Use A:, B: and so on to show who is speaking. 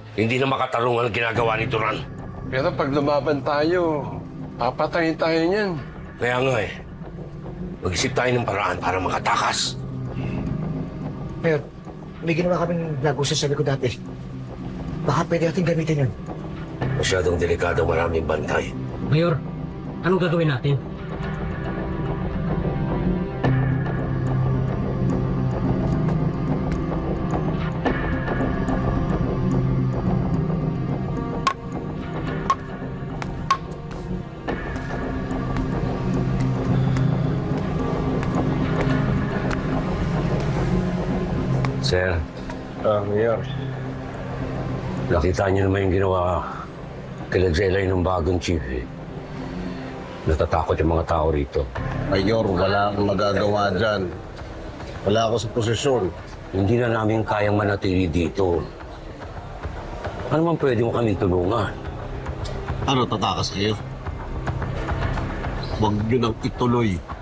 A: Hindi na makatarungan ang ginagawa ni Turan.
B: Pero pag lumaban tayo, papatayin tayo niyan.
A: Kaya nga eh, mag-isip tayo ng paraan para makatakas.
C: Mayor, may ginawa kaming lagusan sa likod dati. Baka pwede natin gamitin yun.
A: Masyadong delikado, maraming bantay.
D: Mayor, anong gagawin natin?
A: Sir,
B: Mayor.
A: nakita niyo naman yung ginawa kay Jelay ng bagong chief eh. Natatakot yung mga tao rito.
E: Mayor, wala akong magagawa dyan. Wala ako sa posisyon.
A: Hindi na namin kayang manatili dito. Ano man pwede mo kami tulungan?
E: Ano, tatakas kayo? Huwag nyo nang ituloy.